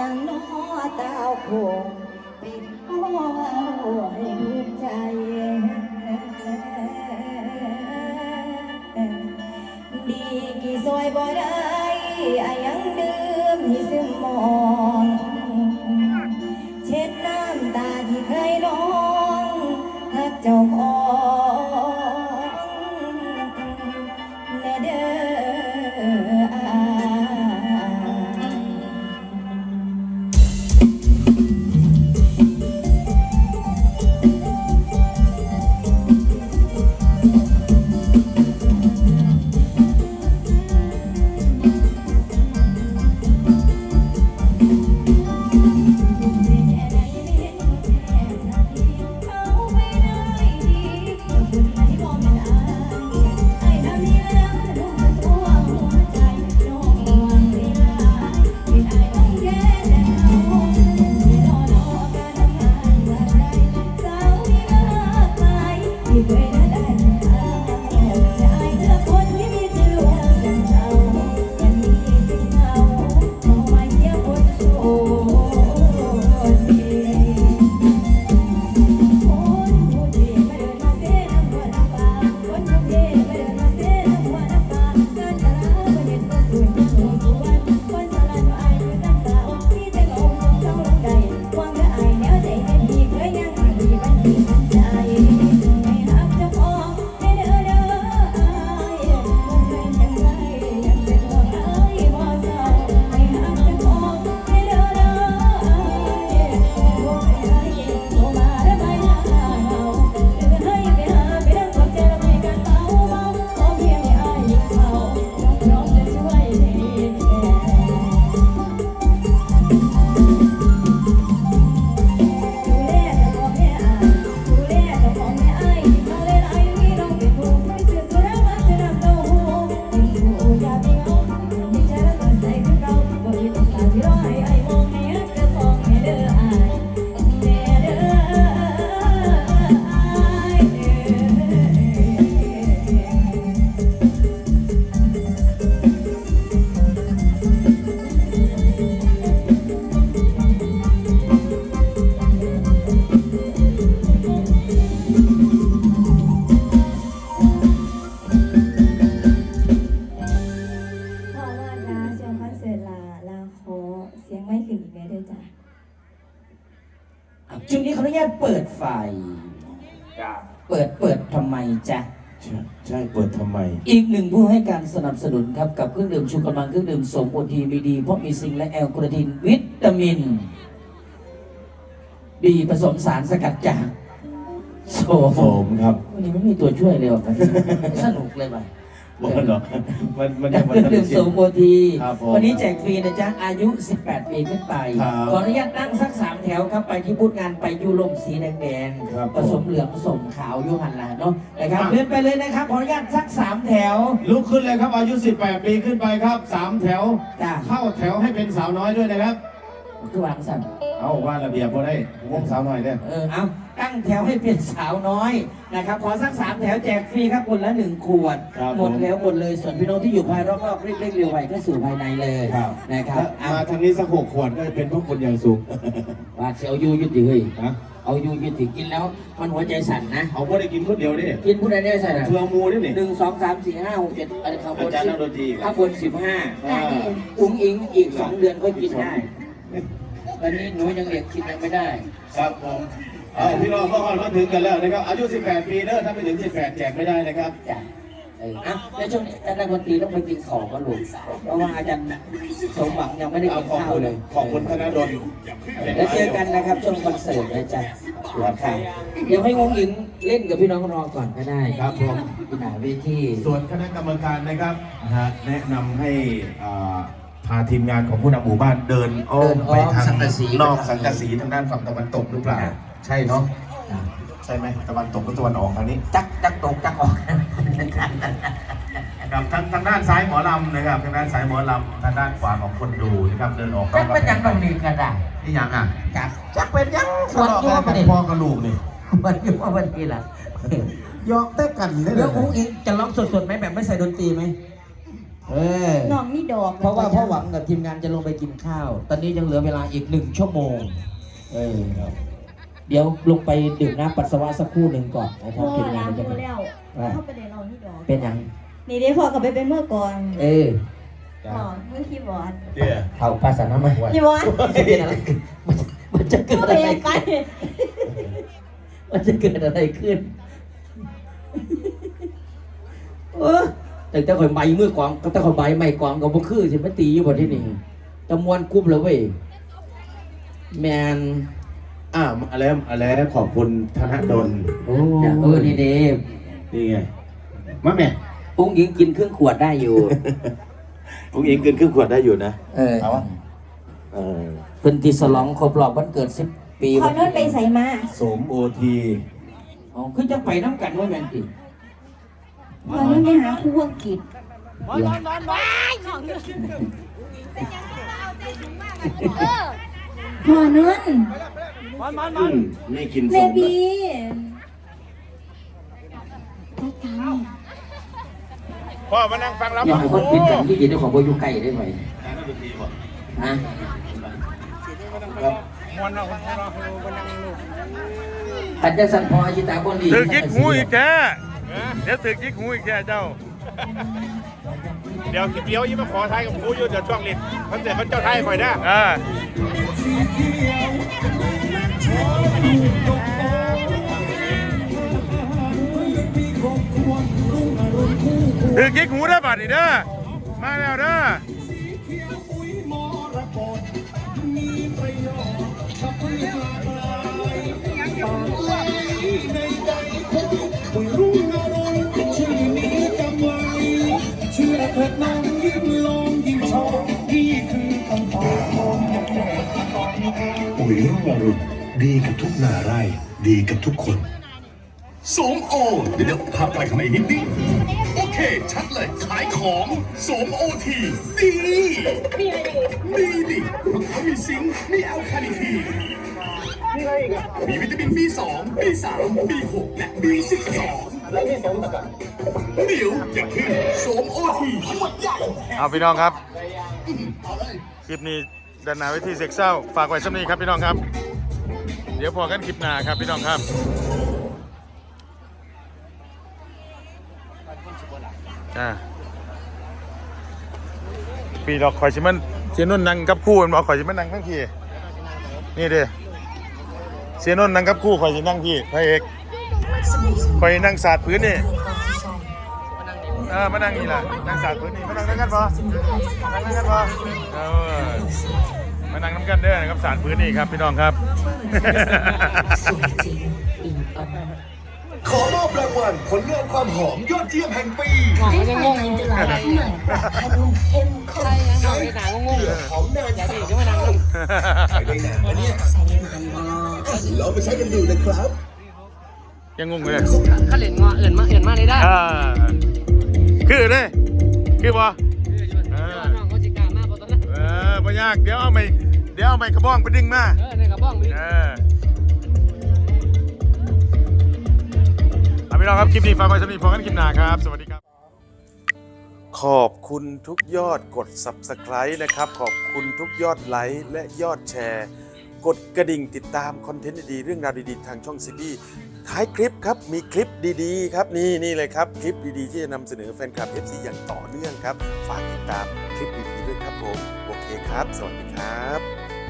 ยังน้อเต้าคงเป็นพ่อให้ลูกใจดีกี่ซอยบ่ได้อายังดื่มที่ซึมมองเช็ดน้ำตาที่เคยน้องหักเจ้าของแน่เด้ช่วงนี้เขาอนุญาตเปิดไฟเปิดทำไมจ๊ะใช่เปิดทำไมอีกหนึ่งผู้ให้การสนับสนุนครับกับเครื่องดื่มชูกำลังเครื่องดื่มสมโอทีมีดีเพราะมีซิงค์และแอลกอริทินวิตามินดีผสมสารสกัดจากโสมครับวันนี้ไม่มีตัวช่วยเลยว่ะสนุกเลยว่ะมันหรอมันเครื่องดื่มโสมโอทีวันนี้แจกฟรีนะจ๊ะอายุ18 ปีขึ้นไปขออนุญาตนั่งสัก3 แถวครับไปที่บูธงานไปยูลมสีแดงๆผสมเหลืองผสมขาวยูหันละเนาะนะครับเลื่อนไปเลยนะครับขออนุญาตสัก3 แถวลุกขึ้นเลยครับอายุ18 ปีขึ้นไปครับ3 แถวเข้าแถวให้เป็นสาวน้อยด้วยนะครับคือวางสั่นเอาว่าระเบียบพอได้วงสาวน้อยเนี่ยเอาตั้งแถวให้เป็นสาวน้อยนะครับขอสัก3 แถวแจกฟรีครับคนละ1 ขวดหมดแล้วหมดเลยส่วนพี่น้องที่อยู่ภายรอบๆเร่งๆเร็วไวก็สู่ภายในเลยนะครับมาทางนี้สัก6 ขวดก็เป็นพวกคนอย่างสูงว่าเสียวยูยุติเฮ้ยเอายูยุติกินแล้วมันหัวใจสั่นนะเอาไม่ได้กินคนเดียวดิกินผู้ใดได้ใส่เฟืองมูนี่ 1 2 3 4 5 6 7อะไรครับอาจารย์นักดนตรีข้าวบน15อุ้งอิงอีก2 เดือนก็กินได้ตอนนี้หนูยังเด็กกินยังไม่ได้ครับผมพี่น้องก็มาถึงกันแล้วนะครับอายุ18 ปีเด้อถ้าไม่ถึง18แจกไม่ได้นะครับจ้ะในช่วงนี้อาจารย์ดนตรีต้องไปกินของก็ลูกเพราะว่าอาจารย์สมหวังยังไม่ได้กินข้าวเลยขอบคุณธนดลแล้วเจอกันนะครับช่วงคอนเสิร์ตนะจ๊ะครับเดี๋ยวให้วงหญิงเล่นกับพี่น้องรอก่อนก็ได้ครับผมที่หน้าเวทีส่วนคณะกรรมการนะครับแนะนำให้พาทีมงานของผู้นำหมู่บ้านเดินอ้อมไปทางนอกสังกะสีทางด้านฝั่งตะวันตกหรือเปล่าใช่เนาะใช่ไหมตะวันตกหรือตะวันออกทางนี้จักตกจักออกกับทางด้านซ้ายหมอลำนะครับทางด้านซ้ายหมอลำทางด้านขวาของคนดูนะครับเดินออกจักเป็นยังตรงนี้ก็ได้นี่ยังจักเป็นยังทะเลาะกันพ่อกระลูกนี่มันยุ่งว่าวันนี้ล่ะยอกเต้กันได้เลยแล้วอุ้งอิงจะร้องสดๆไหมแบบไม่ใส่ดนตรีไหมโน้องนี่ดอกเพราะว่าพ่อหวังกับทีมงานจะลงไปกินข้าว ตอนนี้ยังเหลือเวลาอีก1 ชั่วโมงเดี๋ยวลงไปดื่มน้ำปัสสาวะสักครู่หนึ่งก่อนนะครับพ่อทีมงาล้าน งจะมือไปแล้วเข้าไปในน้องนี่ดอกเป็นยังนี่เดี๋ยวพ่อกลับไปเป็นเมื่อก่อนจ้ะพ่อเมื่อคีย์บอร์ดเดี๋ยวเผาภาษาหน้ามาคีย์บอร์ดจะเป็นอะไรมันจะเกิดเข้าอะไปไรไกลขึ้นมันจะเกิดอะไรขึ้นแต่ถ้าคนใบมือกองก็ถ้าคนใบไม่กองก็บ่คือสิมาตีอยู่บนที่นี่จำนวนกรุ๊ปเลยเว้ยแมนอะไรขอบคุณธนดลนี่เดฟนี่ไงมาแม่ปุ้งยิงกินครึ่งขวดได้อยู่ผมเองเกินครึ่งขวดได้อยู่นะเอาวะเพิ่นที่ฉลองครบรอบวันเกิด10 ปีขอโน้ตไปใส่มาสมโอทีอ๋อคือจะไปน้ำกันว่าแมนติขอโน้ตไปหาครูอังกฤษขอโน้ตไม่กินเบสมบีพ่อมานั่งฟังแล้วอยากให้คนปิดกันที่ดีได้ของโบอยูไก่ได้ไหมฮะมวนเราคนเรามานั่งลูกอาจารย์สันพออาชิตาคนดีถือกิ๊กหูอีกแท้เดี๋ยวถือกิ๊กหูอีกแท้เจ้า เดี๋ยวคลิปเดียวยิ่งมาขอไทยกับหูอยู่เดี๋ยวช่วงลิ้นคอนเสิร์ตเขาเจ้าไทยคอยนะถือกิ๊กหูได้บัดนี่เด้อมาแล้วเด้อปุ๋ยรุ่งอรุณดีกับทุกนาไร่ดีกับทุกคนโสมโอเดี๋ยวภาพไกลเข้ามาอีกนิดนึงโอเค ชัดเลยขายของโสมโอทีดีดีดิเพราะเขามีซิงค์มีแอลคาลิทีนมีวิตามิน B2 B3 B6 และ B12 แล้วที่สมกันเดี๋ยวอย่าขึ้นโสมโอทีขวดใหญ่เอาพี่น้องครับคลิปนี้ด้านหน้าเวทีเซ็กเศร้าฝากไว้สักนี้ครับพี่น้องครับเดี๋ยวพอกันคลิปหน้าครับพี่น้องครับปีดอกข่อยชิมันเสียนุ่นนั่งกับคู่มันบอกข่อยชิมันนั่งทั้งพี่นี่เด้เสียนุ่นนั่งกับคู่ข่อยชินั่งพี่พระเอกข่อยนั่งศาสตร์พื้นนี่มานั่งนี่แหละนั่งศาสตร์พื้นนี่มานั่งกันปะนั่งกันปะมานั่งน้ำกันเด้อนะครับศาสตร์พื้นนี่ครับพี่น้องครับขอมอบรางวัลผลงานความหอมยอดเยี่ยมแห่งปีใช้ไฟในตลาดใหม่ปรับผ้านุ่มเข้มข้นใช้หอมนาน3 เท่าใช้ได้นานนะเนี่ยใช้ได้นานมากลองไปใช้กันดูนะครับยังงงเลยเขาเล่นงอเอื่นมาเลยได้คือเลยคือบ่น้องเขาจิกามากกว่าตอนนั้นบ่ยากเดี๋ยวเอาไม้กระบองไปดึงมาในกระบ้องมีพี่น้องครับคลิปนี้ฝากไว้สำหรับพอกันคลิปหน้าครับสวัสดีครับขอบคุณทุกยอดกด Subscribe นะครับขอบคุณทุกยอดไลค์และยอดแชร์กดกระดิ่งติดตามคอนเทนต์ดีๆเรื่องราวดีๆทางช่องซีบีท้ายคลิปครับมีคลิปดีๆครับนี่เลยครับคลิปดีๆที่จะนำเสนอแฟนคลับ FC อย่างต่อเนื่องครับฝากติดตามคลิปดีๆด้วยครับผมโอเคครับสวัสดีครับ